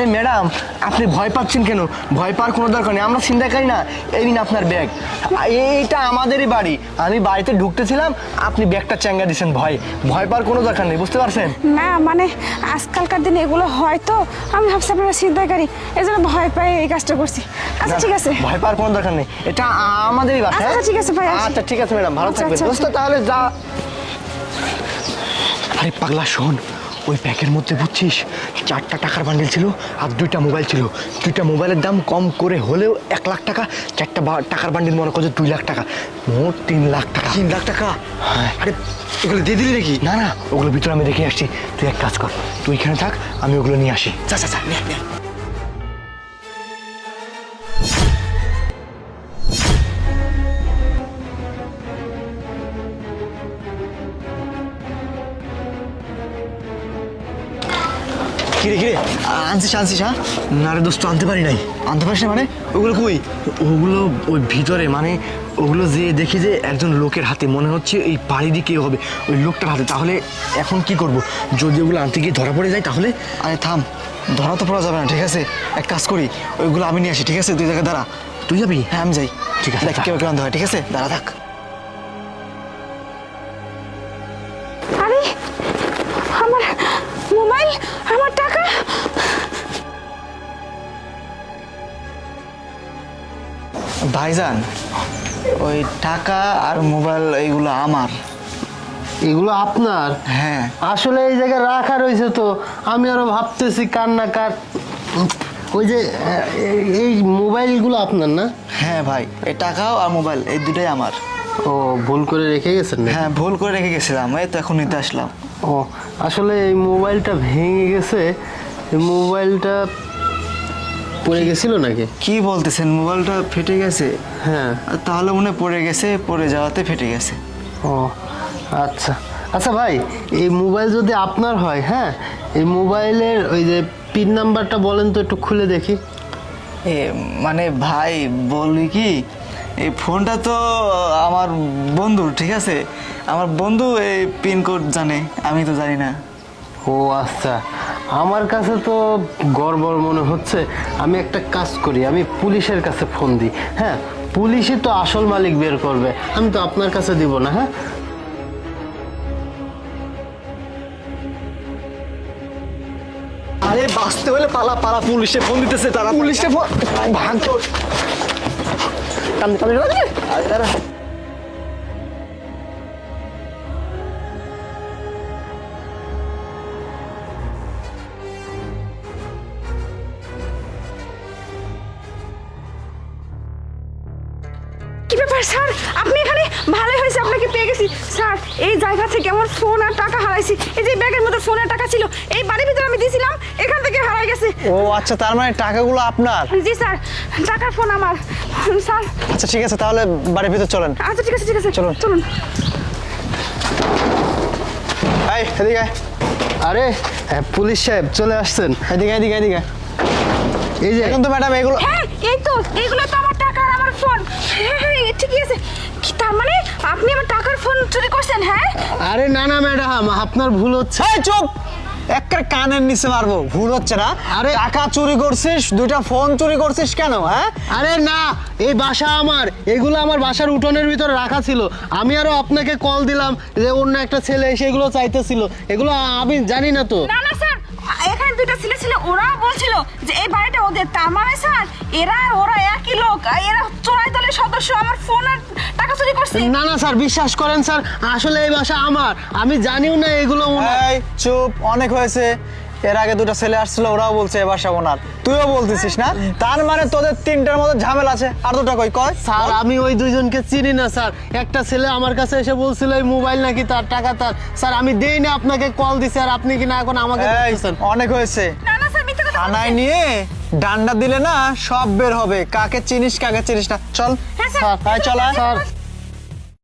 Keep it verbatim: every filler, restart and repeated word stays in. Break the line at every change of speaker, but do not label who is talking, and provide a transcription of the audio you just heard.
আরে ম্যাডাম, আপনি ভয় পাচ্ছেন কেন? ভয় পাওয়ার কোনো দরকার নেই, আমরা ছিনতাইকারী না। এই নিন আপনার ব্যাগ, এইটা আমাদেরই বাড়ি। আমি বাড়িতে ঢুকতেছিলাম, আপনি ব্যাগটা চ্যাঙ্গা দিয়েছেন। ভয় ভয় পাওয়ার কোনো দরকার নেই, বুঝতে পারছেন?
না মানে আজকালকার দিনে এগুলো হয় তো, আমি ভাবছি আপনারা ছিনতাইকারী, এই জন্য ভয় পাই এই কাজটা করছি। আচ্ছা ঠিক আছে,
ভয় পাওয়ার কোনো দরকার নেই, এটা আমাদেরই বাসা।
আচ্ছা ঠিক আছে ভাই।
আচ্ছা ঠিক আছে ম্যাডাম, ভালো থাকবেন। দোস্ত তাহলে যা। আরে পাগলা শোন, ওই ব্যাগের মধ্যে বুঝছিস চারটা টাকার বান্ডিল ছিল আর দুইটা মোবাইল ছিল। দুইটা মোবাইলের দাম কম করে হলেও এক লাখ টাকা, চারটা টাকার বান্ডিল মনে করছে দুই লাখ টাকা, মোট তিন লাখ টাকা।
তিন লাখ টাকা? আরে ওগুলো দিয়ে দিলি নাকি?
না না, ওগুলো ভিতরে আমি রেখে আসছি। তুই এক কাজ কর, তুই এখানে থাক, আমি ওগুলো নিয়ে আসি।
যা যা যা, নে নে। কিরে কিরে আনছিস আনছিস? হ্যাঁ
না রে দোস্ত, আনতে পারি নাই।
আনতে পারিস না মানে? ওগুলো কই?
ওগুলো ওই ভিতরে, মানে ওগুলো যে দেখি যে একজন লোকের হাতে, মনে হচ্ছে এই বাড়ি দিয়ে কেউ হবে, ওই লোকটার হাতে। তাহলে এখন কি করব? যদি ওগুলো আনতে গিয়ে ধরা পড়ে যায় তাহলে?
আরে থাম, ধরা তো পড়া যাবে না, ঠিক আছে? এক কাজ করি, ওইগুলো আমি নিয়ে আসি, ঠিক আছে? তুই জায়গায় দাঁড়া।
তুই যাবি?
হ্যাঁ আমি যাই।
ঠিক আছে,
দেখ কেউ কেউ আনতে হয়, ঠিক আছে? দাঁড়া থাক।
আরে আমার মোবাইল, আমার টাকা।
ভাইজান, ওই টাকা আর মোবাইল এইগুলো আমার।
এগুলো আপনার?
হ্যাঁ।
আসলে এই জায়গায় রাখা রয়েছে তো, আমি আরো ভাবতেছি কার না কার। ওই যে এই মোবাইলগুলো আপনার না?
হ্যাঁ ভাই, এই টাকাও আর মোবাইল এই দুটাই আমার।
ও, ভুল করে রেখে গেছেন না?
হ্যাঁ ভুল করে রেখে গেছিলাম, এই তো এখন নিতে আসলাম।
ও, আসলে এই মোবাইলটা ভেঙে গেছে। এই মোবাইলটা পড়ে গেছিল নাকি?
কি বলতেছেন, মোবাইলটা ফেটে গেছে?
হ্যাঁ।
তাহলে মনে হয় পড়ে গেছে, পড়ে যাওয়াতে ফেটে গেছে।
ও আচ্ছা আচ্ছা ভাই, এই মোবাইল যদি আপনার হয়, হ্যাঁ, এই মোবাইলের ওই যে পিন নাম্বারটা বলেন তো, একটু খুলে দেখি।
এ মানে ভাই বলি কি, এই ফোনটা তো আমার বন্ধুর, ঠিক আছে? আমার বন্ধু এই পিনকোড জানে, আমি তো জানি না।
ও আচ্ছা, আমার কাছে তো গড়বড় মনে হচ্ছে। আমি একটা কাজ করি, আমি পুলিশের কাছে ফোন দিই। হ্যাঁ, পুলিশই তো আসল মালিক বের করবে, আমি তো আপনার কাছে দিব না। হ্যাঁ,
আরে বাঁচতে হলে পালা পালা, পুলিশে ফোন দিতেছে তারা। পুলিশে ফোন ভাগ তোর কান্দে কান্দে আরে দাঁড়া।
কি ব্যাপার স্যার, আপনি এখানে? ভালোই হয়েছে আপনাকে পেয়ে গেছি স্যার। এই জায়গা থেকে আমার ফোন আর টাকা হারাইছি। এই যে ব্যাগের মধ্যে ফোন আর টাকা ছিল, এই বাড়ির ভিতরে আমি দিয়েছিলাম, এখান থেকে হারাই গেছে।
ও আচ্ছা, তার মানে টাকাগুলো আপনার?
জি স্যার, টাকার ফোন আমার স্যার।
আচ্ছা ঠিক আছে, তাহলে বাড়ির ভিতর চলেন।
আচ্ছা ঠিক আছে ঠিক আছে,
চলুন
চলুন।
এই এদিকে আয়।
আরে হ্যাঁ, পুলিশ সাহেব চলে আসছেন।
এদিকে এদিকে এদিকে।
এই যে
এখন তো ম্যাডাম এগুলো।
হ্যাঁ এই তো, এইগুলো তো আমার টাকা আর আমার ফোন। হ্যাঁ হ্যাঁ ঠিকই আছে। কি তার মানে আপনি আমার টাকার ফোন চুরি করছেন? হ্যাঁ।
আরে না না ম্যাডাম, আপনার ভুল হচ্ছে।
এই চুপ, একটা কানের নিচে মারবো। ভুল হচ্ছে না?
আরে
টাকা চুরি করছিস, দুইটা ফোন চুরি করছিস কেন? হ্যাঁ
আরে না, এই বাসা আমার, এগুলো আমার বাসার উঠোনের ভিতরে রাখা ছিল। আমি আরো আপনাকে কল দিলাম যে অন্য একটা ছেলে এসে এগুলো চাইতেছিল, এগুলো আমি জানি না তো।
না না স্যার, এখানে দুইটা ছেলে ছিল, ওরাও বলছিল যে এই বাড়িটা ওদের। তার মানে স্যার এরা ওরা একই লোক, এরা চোরাই দলের সদস্য, আমার ফোন আর টাকা চুরি করছে।
না না স্যার, বিশ্বাস করেন স্যার, আসলে এই বাসা আমার, আমি জানিও না এগুলো ওনার।
এই চুপ, অনেক হয়েছে। এর আগে দুটো ছেলে আসছিল, ওরাও বলছে এ বাসা ওনার, তুইও বলতেছিস না? তার মানে তোদের তিনটার মধ্যে ঝামেলা আছে। আর দুটো কই কয়?
স্যার আমি ওই দুইজনকে চিনি না স্যার। একটা ছেলে আমার কাছে এসে বলছিল এই মোবাইল নাকি তার, টাকা তার। স্যার আমি দেই না, আপনাকে কল দিছি আর আপনি কি না এখন আমাকে
এই,
বলতেছেন?
অনেক হয়েছে।
না না স্যার, মিথ্যা কথা
থানায়
বলছেন।
নিয়ে ডান্ডা দিলে না সব বের হবে, কাকে চিনিস কাকে চিনিস না। চল
হ্যাঁ স্যার,
স্যার, চল আয়।
স্যার